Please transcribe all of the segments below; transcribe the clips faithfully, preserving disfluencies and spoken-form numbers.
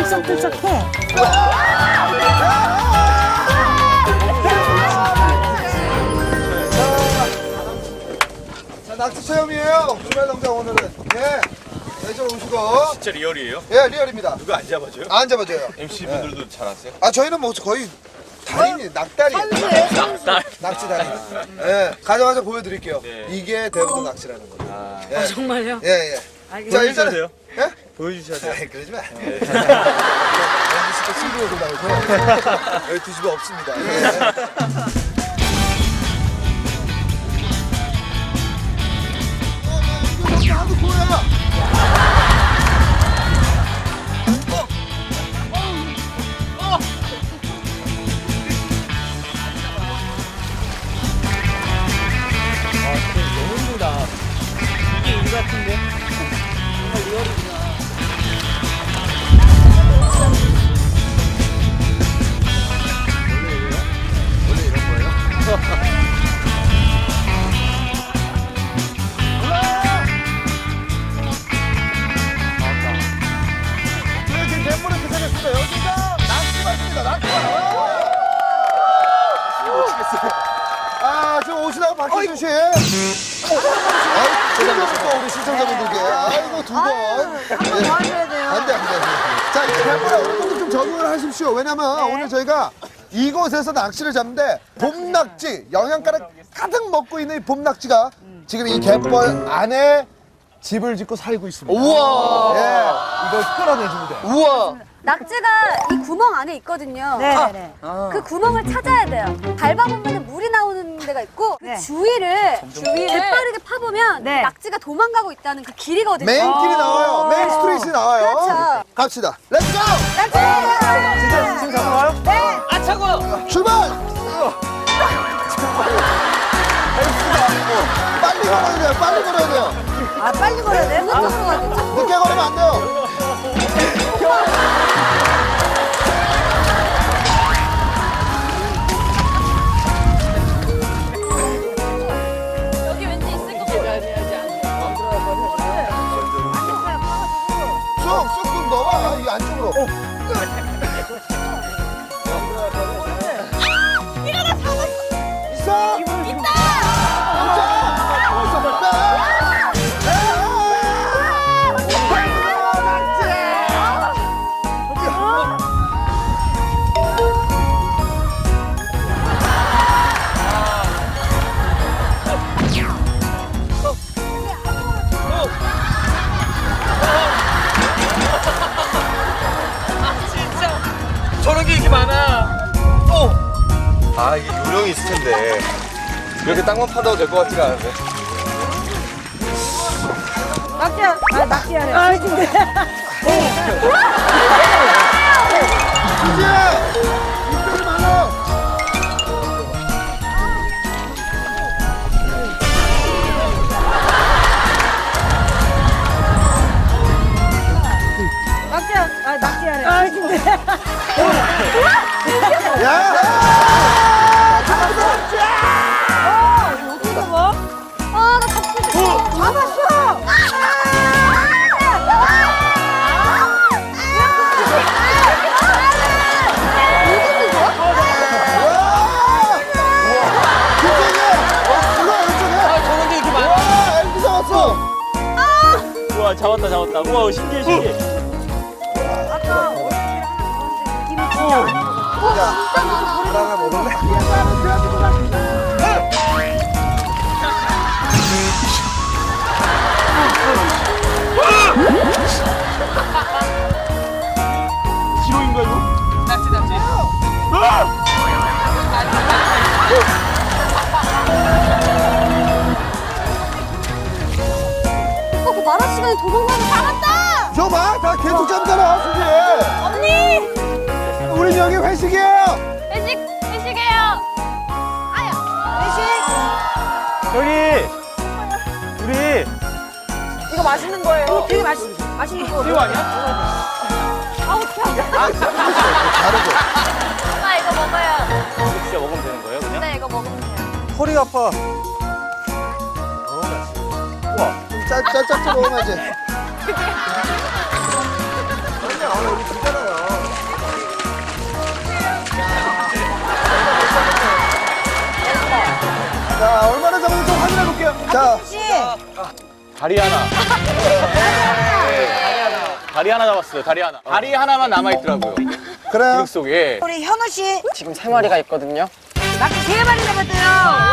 들썩들썩해. 자, 낚시 체험이에요. 주말 농장 오늘은. 예. 네, 좀 오시고. 진짜 리얼이에요? 예, 리얼입니다. 누가 안 잡아줘요? 안 잡아줘요. 엠씨분들도 잘 아세요? 아, 저희는 뭐 거의 달인이, 낙달이에요. 낙달. 낚시 달인. 예. 가자마자 보여드릴게요. 네. 이게 대부분 낚시라는 거예요. 아, 예. 아, 정말요? 예, 예. 알겠습니다. 자, 일단은. 돼요? 예? 보여주셔야 돼요. 아, 그러지 마. 엠비씨도 친구로 나오고 여기 뒤집어 없습니다. 예. 하도 보여요. 저희 지금 갯물에 도착했습니다. 여기가 낚시밭입니다. 낚시밭. 못 치겠어요. 아, 지금 오시다가 박희준 씨. 아이고, 우리 시청자분들께. 아이고, 두 번. 한번 더 하셔야 돼요. 안 돼, 안 돼. 자, 이제 갯물에 어느 정도 좀 적응을 하십시오. 왜냐면 오늘 저희가 이곳에서 낚시를 잡는데 봄낙지, 영양가를 가득 먹고 있는 이 봄낙지가 지금 이 갯벌 안에 집을 짓고 살고 있습니다. 우와. 예, 이걸 끌어내주면 돼요. 우와. 낙지가 이 구멍 안에 있거든요. 네네네. 그 구멍을 찾아야 돼요. 밟아보면 물이 나오는 데가 있고 그 네. 주위를 주위를 재빠르게 파보면 네. 낙지가 도망가고 있다는 그 길이거든요. 메인 길이 나와요. 메인 스트리트이 나와요. 그렇죠. 갑시다. 렛츠고! 낙지! 진짜 지금 잡는 거요? 네. 아 차고. 출발! 빨리 걸어야 돼요. 빨리 걸어야 돼요. 아, 빨리 걸어야 돼? 어느 쪽으로 가야 되죠? 늦게 걸으면 안 돼요. 여기 왠지 있을 것 같아요. 쑥, 쑥 넣어봐. 이 안쪽으로. 있어? 있다! 저런 게 이렇게 많아. 어. 아, 이게 요령이 있을 텐데. 이렇게 땅만 파도 될 것 같지가 않은데. 낙지야. 아, 낙지야래. 아, 근데. 이제 이쪽이 많아. 낙지야. 아, 낙지야래. 아, 근데. 야! 어디서 뭐? 아, 나 잡고 싶어. 잡았어! 아 저런 게 이렇게 많아. 와, 엘비 잡았어. 우와 잡았다 잡았다. 우와 신기해 신기해. 아까 어디랑 느낌이 진짜 안 좋아. 하나 먹을래? 기록인가 이거? 낙지 낙지. 오빠 그 말할 시간에 도망가는 거 잡았다! 저 봐, 다 계속 잡잖아, 수지. 언니! 우리 여기 회식이에요. 회식, 회식이에요. 아야. 회식. 저기! 우리! 이거 맛있는 거예요. 되게 맛있, 맛있는 거. 이거 아니야? 아우, 펴. 다르고. 엄마 이거 먹어요. 이거 진짜 먹으면 되는 거예요, 그냥? 네, 이거 먹으면 돼요. 허리가 아파. 우와, 좀 짤, 짤짤짤 먹어야지. 아니야, 여기 주잖아요. 자, 씨. 다리 하나. 다리 하나 잡았어요. 다리 하나. 다리 하나만 남아 있더라고요. 그래요. 기록 속에. 우리 현우 씨. 지금 세 마리가 있거든요. 낙지 세 마리 잡았대요.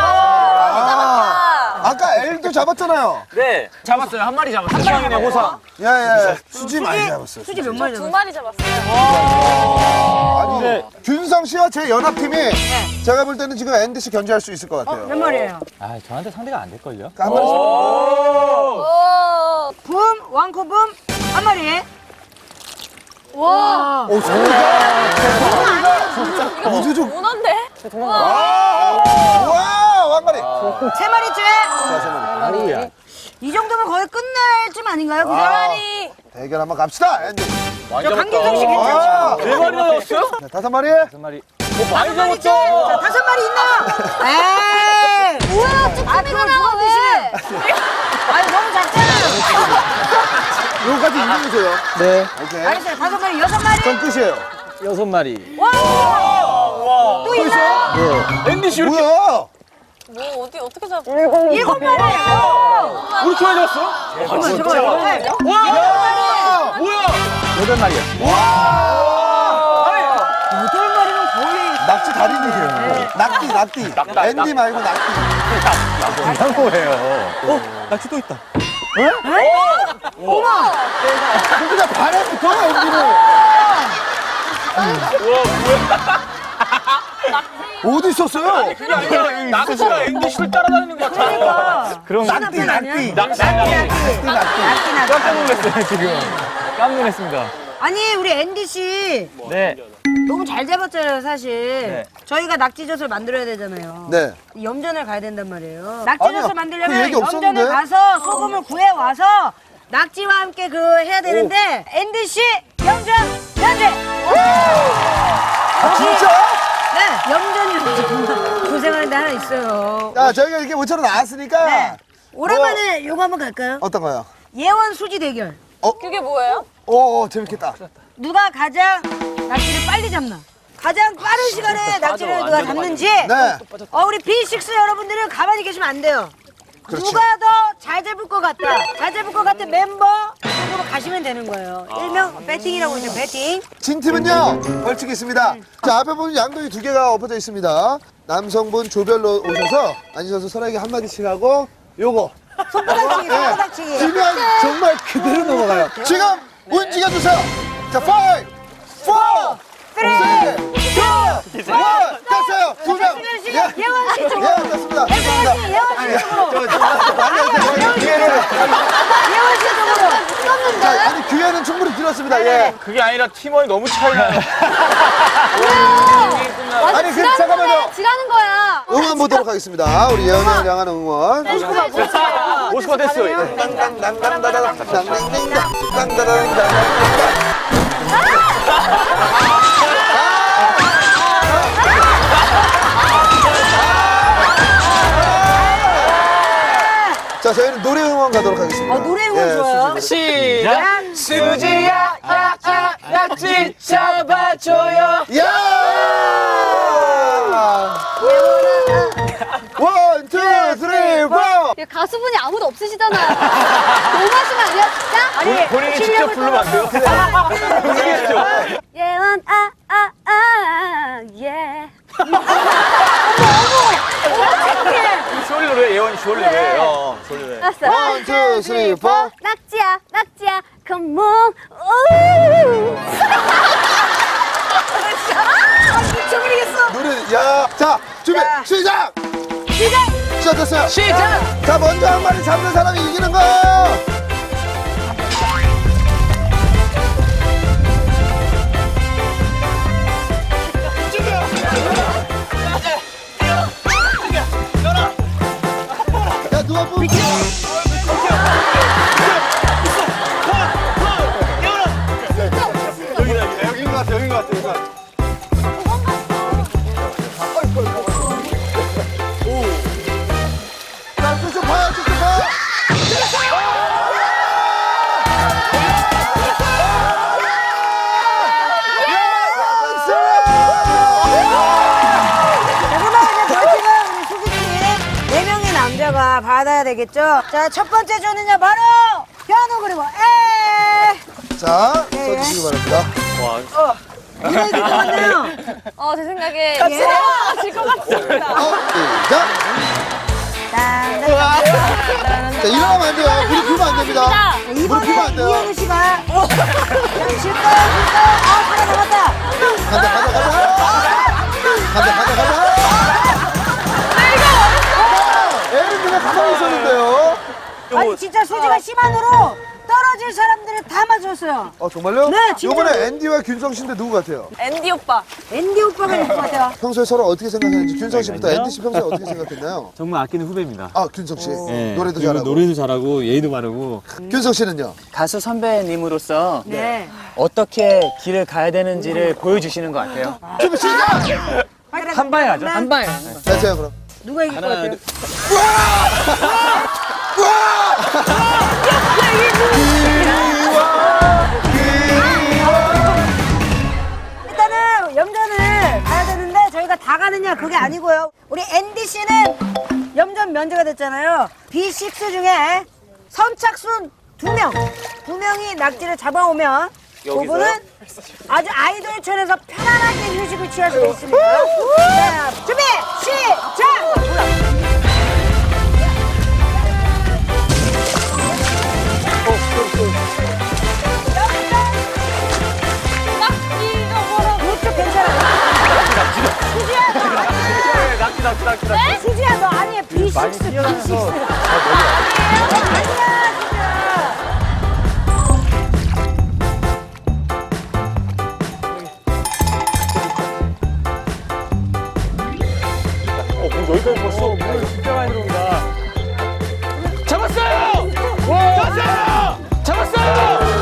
아, 아까 L도 잡았잖아요. 네. 잡았어요. 한 마리 잡았어요. 호상이네 호상. 예, 예. 수지 많이 잡았어요. 수지 몇 마리 두 잡았어요? 마리 잡았어요. 아니, 네. 균성 씨와 제 연합팀이 제가 볼 때는 지금 앤디 씨 견제할 수 있을 것 같아요. 몇 마리예요? 아 저한테 상대가 안 될걸요? 그러니까 한 마리씩. 오. 붐, 왕코붐 한 마리. 와. 오, 소리가. 우주족. 문어인데? 와, 왕가리. 세 마리째. 자, 세 마리. 아니야. 이 정도면 거의 끝날 쯤 아닌가요? 그죠? 아. 마리. 대결 한번 갑시다, 앤디. 많이 저 강균성 씨 잡았다. 괜찮죠? 아, 네 마리 잡았어요? 자, 다섯 마리. 다섯 마리. 오 많이 자, 잡았죠? 다섯 마리 있나? 에이. 뭐야, 아, 쭈꾸미가 그걸 나와, 누가 왜? 아니, 너무 작잖아요. 요거까지 이기세요. 네. 오케이. 알겠어요. 다섯 마리, 여섯 마리. 전 끝이에요. 여섯 마리. 와! 와. 또 있나요? 네. 앤디 씨 이렇게 뭐야? 뭐, 어디, 어떻게 잡아? 일곱 마리. 이렇게 많이 잡았어? 잠깐만, 잠깐만. 와. 야! 뭐야? 여덟 마리야. 와! 여덟 마리는 거의. 낙지 달인이세요. 낙지, 낙지. 낙, 앤디 말고 낙지. 이상한 거예요. 어? 낙지 또 있다. 그냥 발에 붙어요, 앤디는. 어디 있었어요? 그게 아니라 낙지가 앤디 씨를 따라다니는 것 같아. 그럼 낙지, 낙지. 낙지. 낙지, 낙지. 낙지, 낙지. 깜짝 놀랐어요 지금. 깜짝 놀랐습니다. 아니, 우리 앤디 씨. 네. 너무 잘 잡았잖아요, 사실. 네. 저희가 낙지젓을 만들어야 되잖아요. 네. 염전을 가야 된단 말이에요. 아니요, 낙지젓을 그 만들려면 얘기 없었는데? 염전을 가서 소금을 구해 와서 낙지와 함께 그 해야 되는데 앤디 씨 염전 현재. 아, 진짜? 네, 염전이 정말 고생하는데 하나 있어요. 자, 저희가 이렇게 모처럼 나왔으니까. 네. 오랜만에 요거 한번 갈까요? 어떤 거요? 예원 수지 대결. 그게 뭐예요? 오, 오, 재밌겠다. 누가 가장 낙지를 빨리 잡나? 가장 빠른 시간에 낙지를 누가 잡는지. 네. 어, 우리 비 식스 여러분들은 가만히 계시면 안 돼요. 그렇죠. 누가 더 잘 잡을 것 같다. 잘 잡을 것 같은 멤버 쪽으로 가시면 되는 거예요. 일명 배팅이라고 하죠. 배팅. 진 팀은요, 벌칙이 있습니다. 자, 앞에 보면 양동이 두 개가 엎어져 있습니다. 남성분 조별로 오셔서 앉으셔서 서로에게 한마디씩 하고, 요거. 손바닥치기, 손바닥치기. 지면 정말 그대로 넘어가요. 지금 움직여주세요. 자, 파이브, 포, 쓰리, 투, 원. 됐어요. 두 명. 예, 예원 씨 쪽으로. 예, 됐습니다. 예원 씨, 예원 씨 쪽으로. 기회를. 예원 씨 쪽으로. 자, 아니, 기회는 충분히 드렸습니다. 예. 그게 아니라 팀원이 너무 차이나요. 아니, 그, 잠깐만요. 지라는 거야. 응원 보도록 하겠습니다. 우리 예언을 향한 응원. 오십 번 됐어요. 자, 저희는 노래 응원 가도록 하겠습니다. 어, 노래 응원 예, 좋아요. 수지 시작. 수지야, 야야, 낙지 잡아줘요. 노래. 야! 원, 투, 쓰리, 포. 가수분이 아무도 없으시잖아요. 너무하시면 안 돼요, 진짜? 아니, 본인이 직접 부르면 안 돼요? 모르겠죠. 예원, 아, 아, 아, 예. 쇼리 노래, 예원이 쇼리 노래. 어, 쇼리 노래. 알았어. 원, 투, 쓰리, 포. 낙지야, 낙지야, come on. 우. 미쳐버리겠어. 노래, 야. 자, 준비, 자. 시작! 시작. 시작됐어요. 시작! 자, 먼저 한 마리 잡는 사람이 이기는 거예요. 야, 누가 뽑지? 여긴 것 같아, 여긴 것 같아, 여긴 것 같아. 자, 쭉쭉 봐요, 쭉쭉 봐. 받아야 되겠죠. 자, 첫 번째 조는요 바로 현우 그리고 에. 자, 네. 써주시기 바랍니다. 와. 누가 이길 것 같나요? 어, 제 생각에 예. 질것 같습니다. 어, 시작. 자, 자, 일어나면 안 돼요. 무릎 펴면 안 됩니다. 무릎 펴면 안 이번에 돼요. 이현우 씨가 자, 쉴까요? 쉴까요? 아, 하나 남았다. 간다, 간다, 간다. 간다, 간다, 간다. 에이, 그냥 가만히 있었는데요. 아니 진짜 수지가 심한으로 떨어질 사람들을 다 맞췄어요. 어, 정말요? 네, 진짜로. 이번에 앤디와 균성 씨인데 누구 같아요? 앤디 오빠. 앤디 오빠가 이길 것 같아요. 평소에 서로 어떻게 생각하는지 균성 씨부터 그러니까요. 앤디 씨 평소에 어떻게 생각했나요? 정말 아끼는 후배입니다. 아, 균성 씨. 네, 노래도 그리고 잘하고. 노래도 잘하고 예의도 바르고. 균성 씨는요? 가수 선배님으로서 네. 어떻게 길을 가야 되는지를 보여주시는 것 같아요. 준비 시작! 한 방에 가죠. 한 방에. 자, 제가 그럼. 누가 이길 것 같아요? 일단은 염전을 가야 되는데 저희가 다 가느냐 그게 아니고요. 우리 앤디 씨는 염전 면제가 됐잖아요. 비 식스 중에 선착순 두 명, 두 명이 낙지를 잡아오면 그분은 아주 아이돌촌에서 편안하게 휴식을 취할 수 있습니다. 자, 준비 시작! 이쪽 괜찮아. 수지야, 너 아니야. 낙지, 낙지, 낙지, 낙지. 수지야, 너 아니야. 비 식스, 비 식스. 아니야, 수지야. 어, 뭐 여기까지 벌써. 어, 물 진짜 많이 들어온다. 잡았어요! 잡았어요! 잡았어요!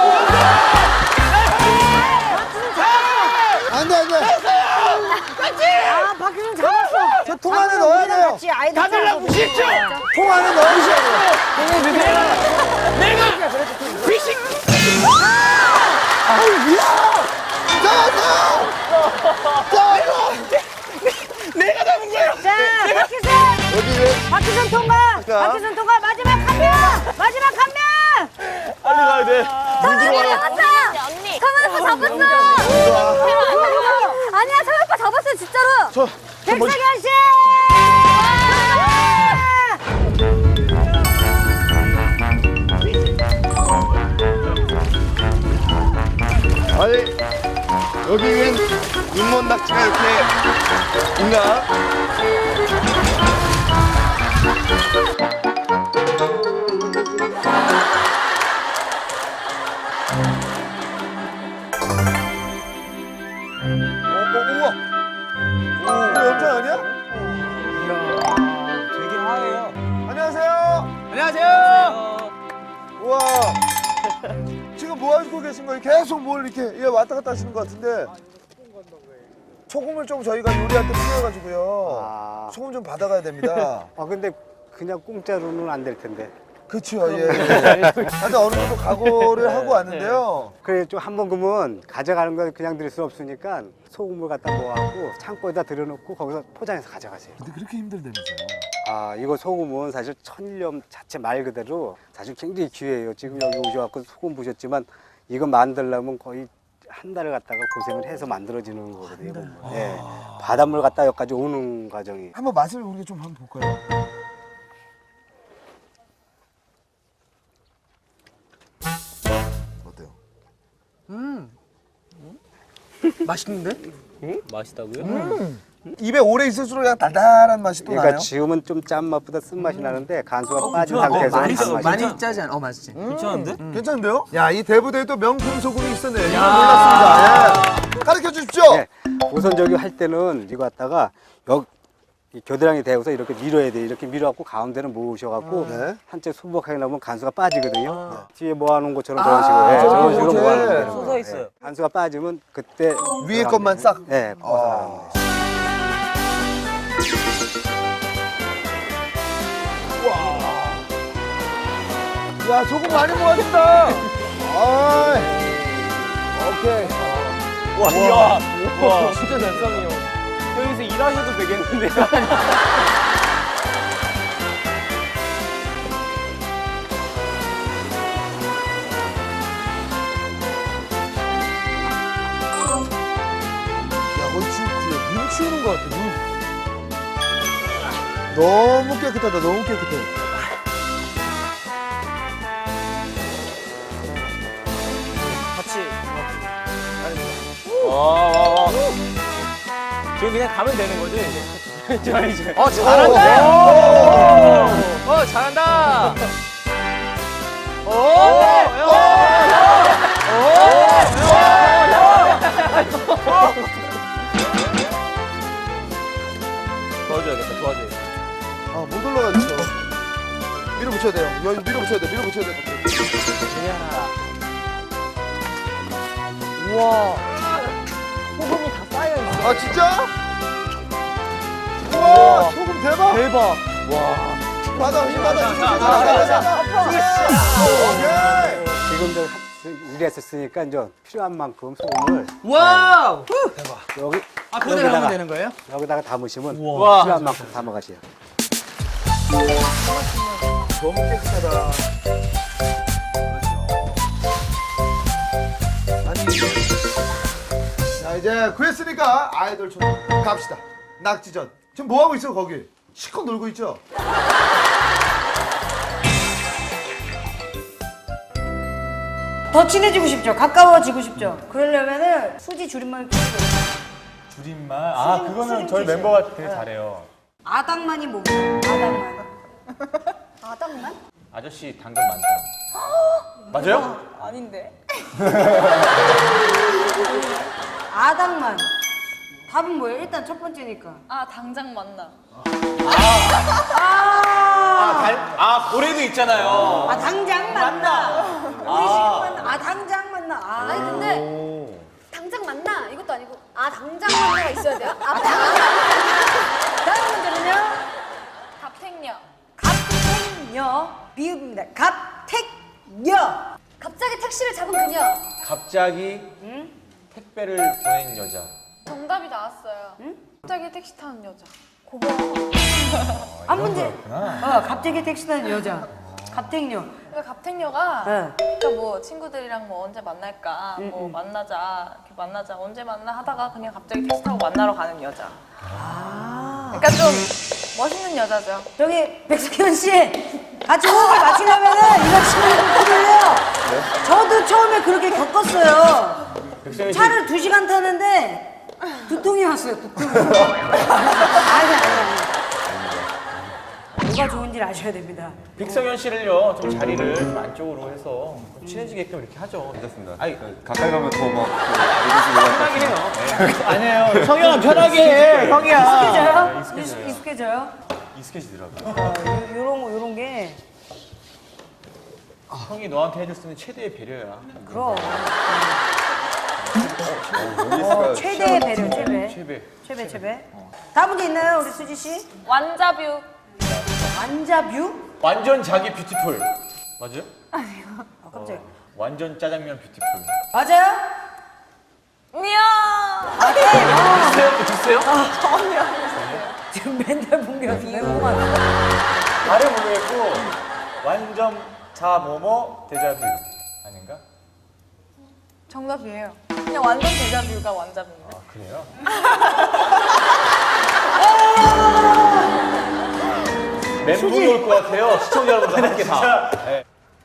안 돼, 안 돼. 아, 박효준 잡았어. 저 통 안에 넣어야 돼요. 다들 나 무시했죠? 통 안에 넣으셔야 돼요. 자, 박효준. 어디를? 박효준 통과. 자. 박효준 통과. 마지막 한 명. 마지막 한 명. 빨리 가야 돼. 성현이 잡았어! 언니. 성현 오빠 잡았어! 아니야, 성현 오빠 잡았어, 진짜로! 저, 저 먼저. 백석현 씨. 아니, 여기엔 눈먼 낙지가 이렇게 있나? 어, 어, 우와. 이거 염전 아니야? 되게 하얘요. 안녕하세요. 안녕하세요. 우와. 지금 뭐 하시고 계신 거예요? 계속 뭘 이렇게 예, 왔다 갔다 하시는 것 같은데. 소금을 좀 저희가 요리할 때 필요해가지고요. 아. 소금 좀 받아가야 됩니다. 아 근데 그냥 공짜로는 안 될 텐데. 그렇죠. 예. 예. 근데 어느 정도 각오를 하고 왔는데요. 그래 좀 한 번 그러면 가져가는 건 그냥 드릴 수 없으니까 소금을 갖다 모아갖고 창고에다 들여놓고 거기서 포장해서 가져가세요. 근데 그렇게 힘들다면서요? 아 이거 소금은 사실 천일염 자체 말 그대로 사실 굉장히 귀해요. 지금 여기 오셔갖고 소금 보셨지만 이거 만들려면 거의 한 달을 갖다가 고생을 해서 만들어지는 거거든요. 보면. 예. 바닷물 갖다 여기까지 오는 과정이. 한번 맛을 우리가 좀 한번 볼까요? 어때요? 맛있는데? 맛있다고요? 입에 오래 있을수록 그냥 달달한 맛이 또 그러니까 나요? 지금은 좀 짠맛보다 쓴맛이 나는데 간수가 빠진 상태에서 많이, 단맛이 많이 짜지 않아? 어, 맛있지? 괜찮은데? 괜찮은데요? 야, 이 대부대에 또 명품 소금이 있었네요. 이거 몰랐습니다. 예. 가르쳐 주십시오. 네. 우선 저기 할 때는 이거 갖다가 여기 이 겨드랑이 대고서 이렇게 밀어야 돼. 이렇게 밀어갖고 가운데는 모으셔갖고 네. 한쪽 수북하게 나오면 간수가 빠지거든요. 뒤에 모아놓은 것처럼 저런 식으로 예, 저런 식으로 이렇게. 모아놓으면 되는 솟아 거예요. 있어요. 예. 간수가 빠지면 그때 위에 것만 싹. 네, 벗어나는 거예요. 야, 소금 많이 모았다. 아이. 오케이. 와, 이야. 와, 진짜 잘상해요. 여기서 일하셔도 되겠는데요? 것 같아. 눈. 너무 깨끗하다. 너무 깨끗해. 같이. 와, 와, 와. 지금 그냥 가면 되는 거지, 이제. 저 이제. 어, 잘한다! 오! 어, 잘한다! 오! 도와줘야겠다, 도와줘야겠다. 아, 못 올라가겠어. 밀어붙여야 돼요. 여기 밀어붙여야 돼. 밀어붙여야 돼. 우와. 소금이 다 쌓여있어. 아, 진짜? 우와, 소금 대박. 대박. 와. 받아, 힘 받아. 힘 받아. 오케이. 지금 저 일했었으니까 이제 필요한 만큼 소금을 와우! 여기 아, 그대로 하면 여기다가 되는 거예요? 여기다가 담으시면 우와. 필요한 만큼 담아가세요. 너무 깨끗하다. 아니. 자, 이제 구했으니까 아이돌촌 갑시다. 낙지전. 지금 뭐 하고 있어, 거기? 실컷 놀고 있죠? 더 친해지고 싶죠? 가까워지고 싶죠? 그러려면은 수지 줄임말 끼고 줄임말. 아, 그거는 저희 멤버가 되게 잘해요. 아당만이 뭐예요? 아당만. 아당만? 아저씨 당근 많다. 맞아요? 아닌데. 아당만. 답은 뭐예요? 일단 첫 번째니까. 아, 당장 만나. 아, 달, 아, 고래도 있잖아요. 아 당장 만나. 우리 지금 만나. 아 당장 만나. 아. 아니, 근데 당장 만나 이것도 아니고 아, 당장 만나가 있어야 돼요? 아, 당장. 다음 문제는요. 갑택녀. 갑택녀. 비읍입니다. 갑택녀. 갑자기 택시를 잡은 그녀. 갑자기 택배를 보낸 여자. 정답이 나왔어요. 갑자기 택시 타는 여자. 고마워. 한 문제. 어, 갑자기 택시 타는 여자. 갑택녀. 그러니까 갑택녀가 네. 그러니까 뭐 친구들이랑 뭐 언제 만날까 뭐 만나자 이렇게 만나자 언제 만나 하다가 그냥 갑자기 택시 타고 만나러 가는 여자. 아. 그러니까 좀 멋있는 여자죠. 저기 백석현 씨 같이 호흡을 맞추려면은 이거 치면 힘들려요. 저도 처음에 그렇게 겪었어요. 백성현 씨. 차를 두 시간 타는데 두통이 왔어요. 두통이. 아니 아니 아니. 뭐가 좋은지 아셔야 됩니다. 빅성현 씨를요, 좀 자리를 좀 안쪽으로 해서 좀 친해지게끔 이렇게 하죠. 괜찮습니다. 아니, 가까이 가면 더막 편하게 해요. 네. 아니에요. 성현아, 편하게 해. 형이야. 익숙해져요? 익숙해져요? 익숙해져요? 익숙해지더라고요. 어, 요, 요런 거 요런 게 형이 너한테 해줄 수 있는 최대의 배려야. 그럼 여기 어, 있을까요? 최대의 배려 최배 최배. 최배 최배. 다음 문제 있나요 우리 수지 씨? 완자뷰. 완자뷰? 완전 자기 뷰티풀. 맞아요? 아 깜짝이야. 완전 짜장면 뷰티풀. 맞아요? 미야. 아 네. 아, 비슷해요? 비슷해요? 지금 맨날 본게 이거만. 발음 모르겠고 완전 자모모 데자뷰 아닌가? 정답이에요. 그냥 완전 데자뷰가 완자뷰인데. 아 그래요? 멘붕이 올 것 같아요. 시청자 여러분들 함께 다. 네.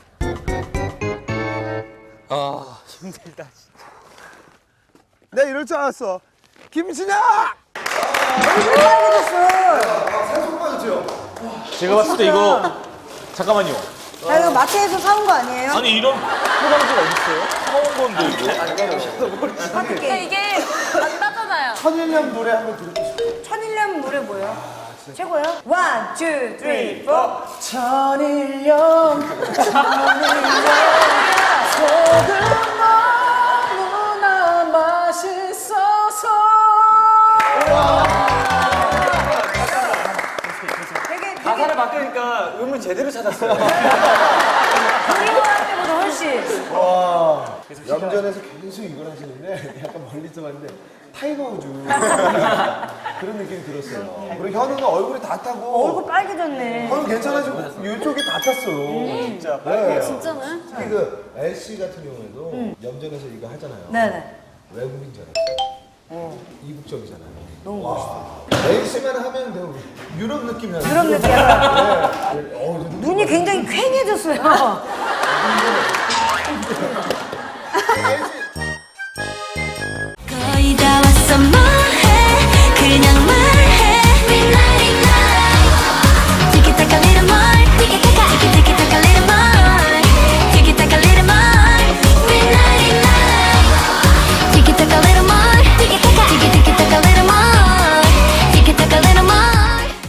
아, 힘들다, 진짜. 내가 이럴 줄 알았어. 김신영! 얼굴 빨개졌어. 살속 빠졌죠? 제가 봤을 때 이거 잠깐만요. 야 이거 마트에서 사온 거 아니에요? 아니 이런 포장지가 어딨어요? 사온 건데 이거. 근데 어떻게? 이게 안 나잖아요. 천일년 노래 한번 들을게 싶어. 천일년 노래 뭐예요? 최고예요? 원, 투, 쓰리, 포. 천일염, 천일염, 소금 너무나 맛있어서. 되게 되게 가사를 바꾸니까 음을 제대로 찾았어요. 그리워할 때보다 훨씬. 와. 염전에서 계속 이걸 하시는데 약간 멀리서 봤는데 타이거 우즈 그런 느낌이 들었어요. 그리고 현우는 얼굴이 다 타고 얼굴 빨개졌네. 현우 괜찮아지고 이쪽이 다 탔어. 진짜. 네. 진짜네. 특히 그 엘씨 같은 경우에도 염전에서 이거 하잖아요. 네네. 외국인 줄 알았어요. 이국적이잖아요. 너무 멋있어. 레이스만 하면 더 유럽 느낌이 나요. 유럽 느낌이야. 눈이 굉장히 퀭해졌어요.